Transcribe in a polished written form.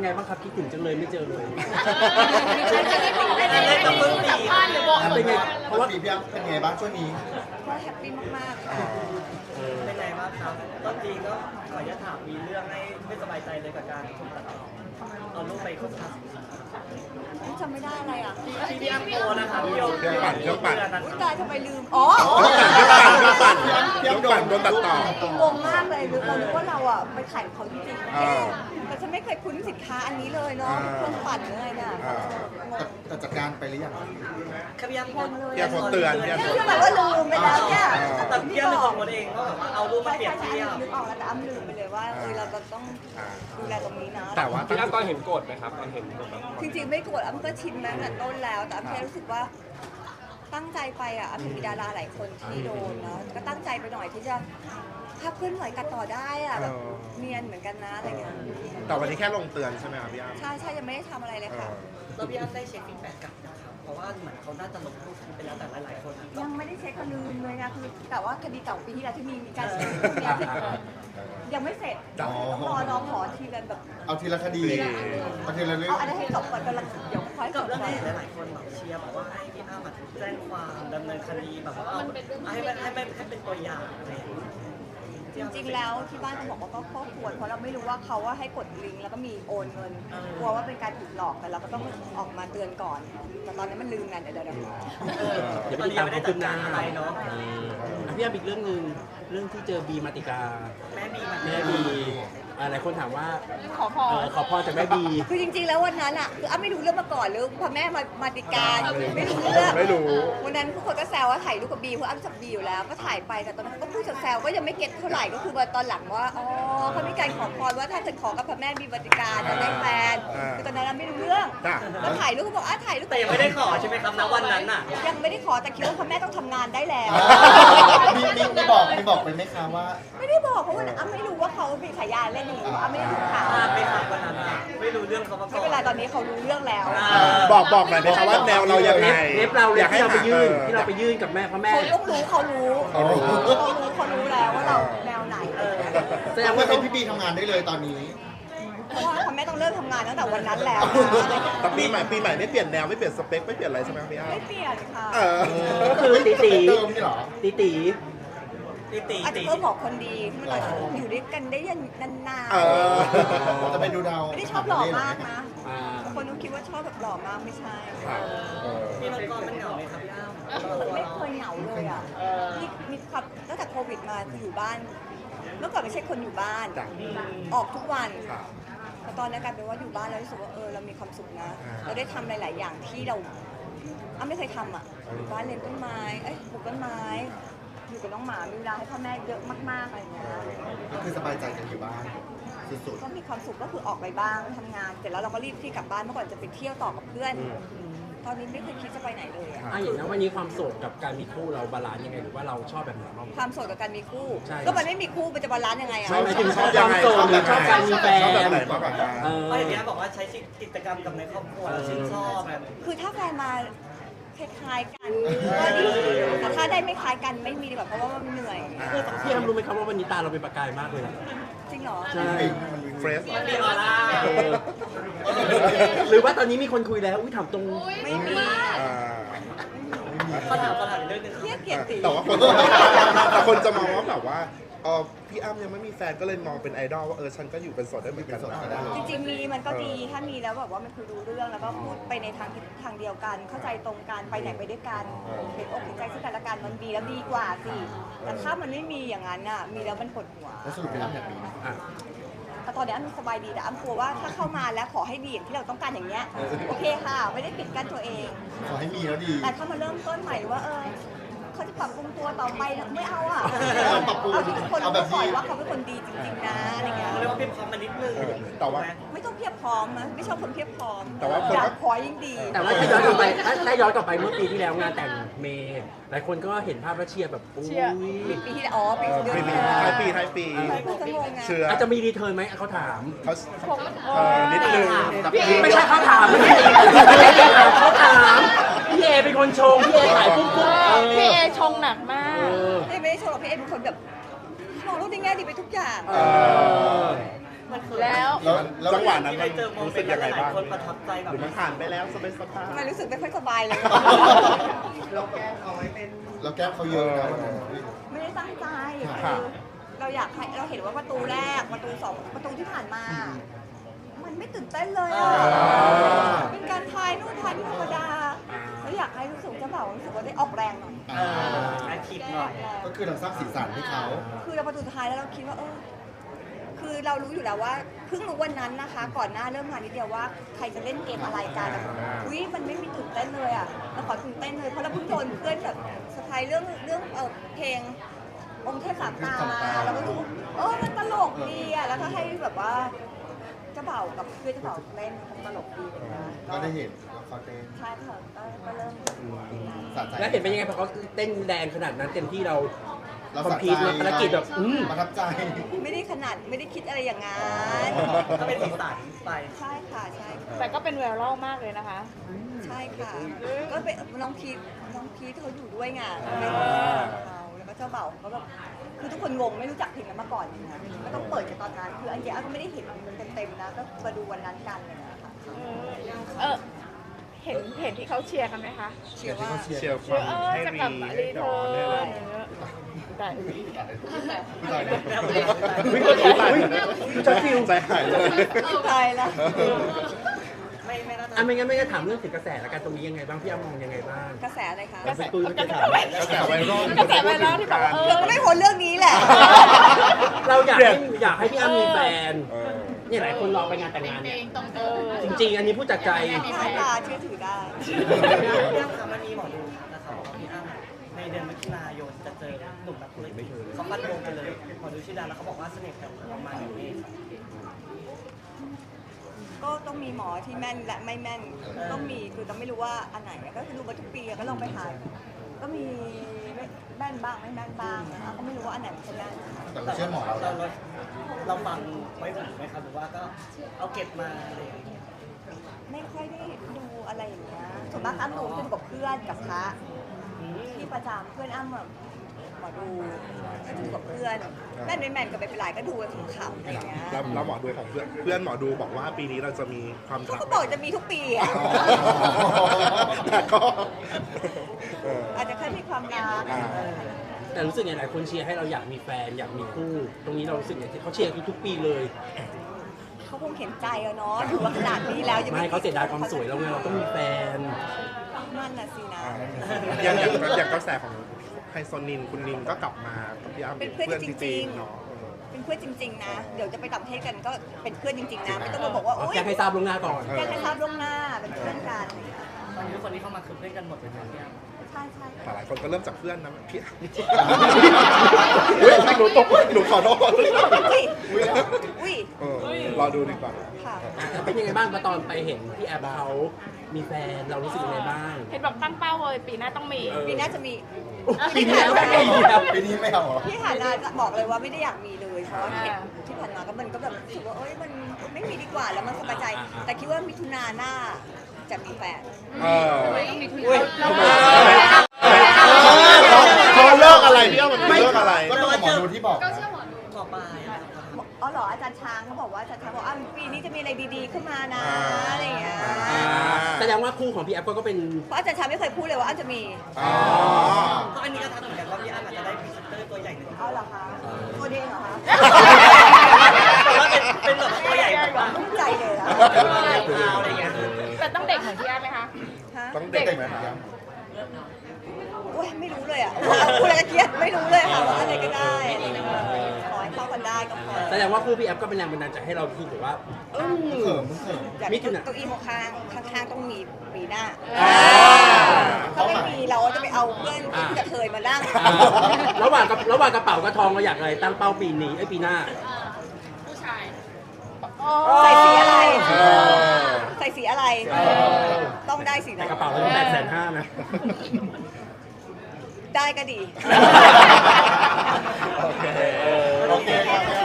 ไงบ้างครับคิดถึงจังเลยไม่เจอเลยได้สัมภาษณ์หรือบอกเป็นไงเพเพราะราะว่าว่าปีพี่อ้ำเป็นไงบ้างช่วงนี้ก็แฮปปี้มากๆค่ะเป็นไงบ้างครับต้นปีก็ขออนุญาตถามมีเรื่องให้ไม่สบายใจเลยกับการถูกตัดต่อเอารูปไปโฆษณาจำไม่ได้อะไรอ่ะที่พี่อ้ำโพสนะครับพี่โยเครื่องปั่นเครื่องปั่นอุ๊ยตายทำไมลืม อ๋อยกปั่นโดนตัดต่องงมากเลยเราคิดว่าเราอ่ะไปขายของเขาจริงอ่าๆแต่ฉันไม่เคยคุ้นสินค้าอันนี้เลยเนาะอ่าเครื่องปั่นอะไรเนี่ยแต่จัดการไปหรือยังครับพี่อ้ำโพสพี่อ้ำโพสเตือนพี่อ้ำนี่คือแบบว่าลืมไปแล้วเนี่ยแต่พี่อ้ำนึกออกหมดเองว่าแบบว่าเอารูปมาใช่เปรียบใช่เทียบนึกออกแล้วแต่อ้ำลืมไปเลยว่าเราจะต้องดูแลตรงนี้นะแต่ว่าพี่อ้ำตอนเห็นโกรธไหมครับตอนเห็นแบบจริงๆไม่โกรธอ้ำก็ชินมาตั้งแต่ต้นแล้ว แต่อ้ำแค่รู้สึกว่าตั้งใจไปอ่ะอ้ำเห็นมีดาราหลายคนที่โดนเนาะก็ตั้งใจไปหน่อยที่จะภาพเคลื่อนไหวตัดต่อได้อ่ะแบบเนียนเหมือนกันนะอะไรเงี้ยแต่วันนี้แค่ลงเตือนใช่ไหมครับพี่อ้ำใช่ใช่ยังไม่ได้ทำอะไรเลยค่ะแล้วพี่อ้ำได้เช็คฟีดแบ็กกลับนะครับเพราะว่าเหมือนเขาน่าจะลงรูปไปแล้วแต่หลายๆคนอะก็ยังไม่ได้เช็คก็ลืมเลยนะคือแต่ว่าคดีเก่าปีที่แล้วที่มีการเช็คพวกเนี้ยยังไม่เสร็จอ๋อต้องรอน้องขอทีละแบบเอาทีละคดีเอาทีละเรื่องเอาอันนั้นให้จบก่อนกำลังเดี๋ยวค่อยจกับบ เรื่องก่อนนี้หลายๆคนแบบเชียร์บอกว่าให้พี่อ้ำแจ้งความดำเนินคดีแบบว่าเอาให้เป็นตัวอย่างอะไรอย่างเงี้ยจริงๆแล้วที่บ้านเขาบอกว่าก็ควรเพราะเราไม่รู้ว่าเขาว่าให้กดลิงก์แล้วก็มีโอนเงินกลัวว่าเป็นการถูกหลอกแต่เราก็ต้องออกมาเตือนก่อนแต่ตอนนี้มันลืมกันเดี๋ยวเดี๋ยวตไปอนติดนี้ยัตาง มไม่ควาได้มจัคืดบหกาน้ารอะไรเนาะพี่อ้ำอีกเรื่องหนึ่งเรื่องที่เจอบีมาติกาแม่บีมันแม่บีหลายคนถามว่าขอพรขอพรจากแม่บีคือจริงๆแล้ววันนั้นอ่ะคืออ้ำไม่รู้เรื่องมาก่อนเลยพอแม่มาติการไม่รู้เรื่องไม่รู้วันนั้นทุกคนก็แซวว่าถ่ายรูปกับบีเพราะอ้ำจับบีอยู่แล้วก็ถ่ายไปแต่ตอนนั้นก็พูดแซวๆก็ยังไม่เก็ตเท่าไหร่ก็คือว่าตอนหลังว่าอ๋อเขามีการขอพรว่าถ้าเกิดขอกับพระแม่บีมาติการจะได้แฟนคือตอนนั้นเราไม่รู้เรื่องจ้ะก็ถ่ายรูปก็บอกถ่ายรูปแต่ยังไม่ได้ขอใช่ไหมครับณวันนั้นน่ะยังไม่ได้ขอแต่คิดว่าพระแม่ต้องทำงานได้แล้วมีบอกไปไหมคะว่าไม่ได้บอกเพราะว่าอ้ำไม่รู้ว่าเขามีฉายาเล่นอย่างนี้อ้ำไม่ได้รู้ข่าวพลาดไปครับวันนั้นน่ะไม่รู้เรื่องเขามาก่ไม่อนเป็นไรตอนนี้เขารู้เรื่องแล้วบอกหน่อยไหมคะว่าแนวเรายังไงเล็บเราอยากให้ที่เราไปยื่นหที่เราไปยื่นกับแม่พระแม่เขาต้องรู้เขารู้อ๋อเขารู้แล้วว่าเราแนวไหนแสดงว่าว่าเป็นพี่บีทำงานได้เลยตอนนี้เพราะว่าพระแม่ต้องเริ่มทำงานตั้งแต่วันนั้นแล้วแต่ปีใหม่ไม่เปลี่ยนแนวไม่เปลี่ยนสเปคไม่เปลี่ยนอะไรใช่ไหมครับพี่อ้ำไม่เปลี่ยนค่ะก็คือตีตีเดิมนี่เหรอตีตีตีอาจจะเพิ่มบอกคนดีที่เราอยู่ด้วยกันได้ยันนานจะไปดูดาวๆไม่ได้ชอบหล่อมากนะอ่าคนนู้นคิดว่าชอบแบบหล่อมากไม่ใช่พี่มังกรมันเหงาไหมครับพี่อ้ำไม่เคยเหงาเลยอ่ะนี่มีความตั้งแต่โควิดมาคืออยู่บ้าน เมื่อก่อนไม่ใช่คนอยู่บ้านจ้ะออกทุกวันแต่ตอนนี้กลายเป็นว่าอยู่บ้านแล้วรู้สึกว่าเรามีความสุขนะ เราได้ทำหลาย ๆ อย่างที่เราไม่เคยทำอ่ะอยู่บ้านเลี้ยงต้นไม้ปลูกต้นไม้ อยู่กับน้องหมา มีเวลาให้พ่อแม่เยอะมาก ๆ อะไรอย่างเงี้ยก็คือสบายใจกันอยู่บ้านสุดก็มีความสุขก็คือออกไปบ้างทำงาน เสร็จแล้วเราก็รีบที่กลับบ้านเมื่อก่อนจะไปเที่ยวต่อกับเพื่อน ตอนนี้ไม่เคยคิดจะไปไหนเลยอะอย่างนั้นวันนี้ความโสดกับการมีคู่เราบาลานซ์ยังไงหรือว่าเราชอบแบบไหนบ้างความโสดกับการมีคู่ใช่ก็มันไม่มีคู่มันจะบาลานซ์ยังไงอะไม่หมายถึงชอบความโสดหรือชอบการมีแฟนชอบแบบไหนมากกว่ากันเพราะอย่างนี้บอกว่าใช้กิจกรรมกับในครอบครัวแล้วชื่นชอบแบบคือถ้าแฟนมาคล้ายๆกันก็ดีแต่ถ้าได้ไม่คล้ายกันไม่มีดีกว่าเพราะว่ามันเหนื่อยพี่อ้ำรู้ไหมครับว่าวันนี้ตาเราเป็นประกายมากเลยจริงเหรอใช่เฟรชมันมีออร่าหรือว่าตอนนี้มีคนคุยแล้วอุ้ยถามตรงไม่มีเขาถามเรื่องนึงเทียบเกียรติแต่ว่าคนจะมองว่าแบบว่าพี่อ้ำยังไม่มีแฟนก็เลยมองเป็นไอดอลว่าฉันก็อยู่เป็นโสดได้เหมือนกันนะจริงๆมีมันก็ดีถ้ามีแล้วแบบว่ามันคือรู้เรื่องแล้วก็พูดไปในทางเดียวกัน เข้าใจตรงกันไปไหนไปด้วยกันเห็นอกเห็นใจซึ่งกันและกันมันดีแล้วดีกว่าสิแต่ถ้ามันไม่มีอย่างนั้นน่ะมีแล้วมันปวดหัวแล้วสรุปเป็นอ้ำแฮปปี้แต่ตอนนี้อ้ำสบายดีแต่อ้ำกลัวว่าถ้าเข้ามาแล้วขอให้ดีอย่างที่เราต้องการอย่างเงี้ยโอเคค่ะไม่ได้ปิดกั้นตัวเองขอให้มีแล้วดีแต่ถ้ามาเริ่มต้นใหม่ว่าเขาจะปรับปรุงตัวต่อไปนะไม่เอาอ่ะปรับปรุงเอาที่ทุกคนเอาแบรู้บก่อนดีว่าเขาเป็นคนดีจริงๆนะอะไรเงี้ยเขาเรียกว่าเพียบพร้อมมานิดนึงแต่ว่าไม่ต้องเพียบพร้อมนะไม่ชอบคนเพียบพร้อมแต่ว่าคนก็อยากขอยิ่งดีแต่ว่าถ้าย้อนกลับไปถ้าย้อนกลับไปเมื่อปีที่แล้วงานแต่งเมย์หลายคนก็เห็นภาพแล้วเชียร์แบบอุ้ยปีที่แล้วปีเดือนปีที่แล้วท้ายปีเพื่อนก็งงไงเชื่ออาจจะมีรีเทิร์นไหมเขาถามเขานิดนึงไม่ใช่เขาถามไม่ใช่เขาถามพี่เอเป็นคนชงพี่เอถ่ายปุ๊บพี่เอชงหนักมากไม่ได้ชมหรอกพี่เอเป็นคนแบบมองโลกในแง่ดีไปทุกอย่างมันเขินแล้วแล้วจังหวะนั้นที่มัไปนเจอโมรู้เมสึนกต์ยังไงหลายบ้างคนประทับใจแบบหรือมันผ่านไปแล้วสบายทำไมรู้สึกไม่ค่อยสบายเลยเราแกล้งเอาไว้เป็นเราแก้เขาเยอะนะวันนั้นไม่ได้ตั้งใจค่ะคือเราอยากให้เราเห็นว่าประตูแรกประตูสองประตูที่ผ่านมา มันไม่ตื่นเต้นเลยอ่ะเป็นการทายนู่นทายนี่ธรรมดาแล้วอยากให้รู้สึกเจ้าบ่าวรู้สึกว่าได้ออกแรงหน่อยแอคทีฟหน่อยก็คือเราสร้างสีสันให้เขาคือเราประตูสุดท้ายแล้วเราคิดว่าคือเรารู้อยู่แล้วว่าเพิ่งรู้วันนั้นนะคะ ก่อนหน้าเริ่มงานนิดเดียวว่าใครจะเล่นเกมอะไรกันอุ้ยมันไม่มีตื่นเต้นเลยอ่ะเราขอตื่นเต้นเลยเพราะเราเพิ่งโดนเพื่อนแบบสไพรส์เรื่องเพลงองค์เทพสามตามาเราก็รู้มันตลกดีอ่ะแล้วก็ให้แบบว่าเจ้าบ่าวกับเพื่อนเจ้าบ่าวเล่นคงตลกดีเลยนะก็ได้เห็นว่าเขาเต้นใช่ค่ะก็เริ่มสะใจแล้วเห็นเป็นยังไงพอเขาเต้นแรงขนาดนั้นเต็มที่เราเราคอมสะพีใจทภารกิจแบบประทับใจไม่ได้ขนาดไม่ได้คิดอะไรอย่างนั้นก็เป็นสีสันไปใช่ค่ะใช่ค่ะแต่ก็เป็นไวรัลมากเลยนะคะใช่ค่ะ ก็เป็นน้องพีทเขาอยู่ด้วยไงเป็นเขาแล้วก็เจ้าเบ่าวก็แบบคือทุกคนงงไม่รู้จักเพลงนั้นมาก่อนนะก็ต้องเปิดกันตอนนั้นคืออันเดียก็ไม่ได้เห็นมันเต็มๆนะก็มาดูวันนั้นกันเลยนะคะเห็นที่เขาเชียร์กันไหมคะเชื่อว่าๆเชียร์คเชีวาย มร์ให้จะรีกลับมารีให้เทิดอนเนี่ยแหละร์นแต่ตายแล้ววิ่งก็ตายใจฟิวใจหายเลยตายแล้วไม่น่าจะอ่ะไม่งั้นไม่งั้นถามเรื่องถึงกระแสแล้วกันตรงนี้ยังไงบ้างพี่อ้ำมองยังไงบ้างกระแสอะไรคะกระแสตุ้ยจะถามกระแสไวรัลกระแสไวรัลที่บอกว่าเธอก็ไม่พ้นเรื่องนี้แหละเราอยากให้พี่อ้ำมีแฟนเนี่ยหลายคนรอไปงานแต่งงานเนี่ยจริงๆ อันนี้พูดจากใจหน้าตาเชื่อถือได้เรื่องคำมันมีหมอดูแต่เขาบอกว่าพี่อ้ำในเดือนมิถุนายนจะเจอหนุ่มนักธุรกิจเขาฟันธงไปเลยหมอดูชื่อดังแล้วเขาบอกว่าเสน่ห์แต่ประมาณ1 เมษก็ต้องมีหมอที่แม่นและไม่แม่นต้องมีคือต้องไม่รู้ว่าอันไหนก็คือดูมาทุกปีก็ลองไปหาก็มีแม่นบ้างไม่แม่นบ้างนะคะก็ไม่รู้ว่าอันไหนมันจะแม่นแต่เราเชื่อหมอเราเราฟังไว้หูไหมครับหรือว่าก็เอาเก็บมาอะไรอย่างเงี้ยไม่ค่อยได้ดูอะไรอย่างเงี้ยส่วนมากอ้ำดูจะดูกับเพื่อนกับพระที่ประจำเพื่อนอ้ำแบบหมอดูก็ดูกับเพื่อนแม่นไม่แม่นก็ไม่เป็นไรก็ดูกันขำๆอะไรอย่างเงี้ยแล้วหมอดูของเพื่อนหมอดูบอกว่าปีนี้เราจะมีความเขารักก็บอกจะมีทุกปีอ่ะแต่ก็อาจจะแค่มีความรักแต่รู้สึกไงหลายคนเชียร์ให้เราอยากมีแฟนอยากมีคู่ ตรงนี้เรารู้สึกไงที่เขาเชียร์ทุกๆปีเลยเขาคงเห็นใจอะเนาะอยู่มาขนาดนี้แล้วยังไม่เขาเสียดายความสวยเราไงเราต้องมีแฟนนั่นน่ะสินะอย่างกระแสของไฮโซนินคุณนินก็กลับมากับพี่อ้ำเป็นเพื่อนจริงๆเนาะเป็นเพื่อนจริง ๆ นะ เดี๋ยวจะไปต่างประเทศกันก็เป็นเพื่อนจริง ๆ นะ ไม่ต้องมาบอกว่าโอ๊ยแจ้งให้ทราบล่วงหน้าก่อนแจ้งให้ทราบล่วงหน้า เป็นเพื่อนกันตอนนี้คนที่เข้ามาคือเพื่อนกันหมดเลยนะพี่อ้ำใช่ใช่แต่หลายคนก็เริ่มจากเพื่อนนะพี่อ้ำอุ๊ยหนูตกหนูขอโทษอุ้ยอุ้ยรอดูดีกว่าค่ะเป็นยังไงบ้างตอนไปเห็นพี่แอฟเขามีแฟนเรารู้สึกยังไงบ้างเห็นบอกตั้งเป้าเลยปีหน้าต้องมีปีหน้าจะมีปีนี้แล้วไม่มีแล้วปีนี้ไม่เอาเหรอพี่หานาจะบอกเลยว่าไม่ได้อยากมีเลย เพราะว่าเห็นที่ผ่านมาก็มันก็แบบรู้สึกว่าเอ้ยมันไม่มีดีกว่าแล้วมันสบายใจ แต่คิดว่ามิถุนาหน้าจะมีแฟนเขาเลิกอะไรพี่อ้ำมันเลิกอะไรก็ต้องหมอดูที่บอกนะต่อไปอะครับอ๋อเหรออาจารย์ช้างเขาบอกว่าอาจารย์ช้างบอกปีนี้จะมีอะไรดีๆขึ้นมานะอะไรอย่างเงี้ยแสดงว่าคู่ของพี่แอฟก็เป็นเพราะอาจารย์ช้างไม่เคยพูดเลยว่าอาจจะมีอ๋อเพราะอันนี้ก็ทักเหมือนกันว่าพี่อ้ำอาจจะได้พรีเซนเตอร์ตัวใหญ่หนึ่งเอาเหรอคะตัวเด้งเหรอคะแต่ว่าเป็นแบบตัวใหญ่แบบว่าใจเลยนะอะไรอย่างเงี้ยแต่ต้องเด็กเหมือนพี่อ้ำไหมคะฮะต้องเด็กไหมครับโอ้ยไม่รู้เลยอ่ะพูดอะไรก็เครียดไม่รู้เลยค่ะว่าอะไรก็ได้ขอให้เข้ากันได้ก็พอแสดงว่าคู่พี่แอฟก็เป็นแรงบันดาลใจให้เราคิดแบบว่าเขิมเขิมอยากมิถุนาเก้าอี้ข้างๆต้องมีปีหน้าถ้าไม่มีเราจะไปเอาเพื่อนที่กระเทยมานั่งระหว่างกระเป๋ากับทองเราอยากอะไรตั้งเป้าปีนี้ปีหน้าผู้ชายใส่สีอะไรเออใส่สีอะไร ต้องได้สีแต่นั้นกระเป๋าเรา850,000นะได้ก็ดีโอเคโอเคครับ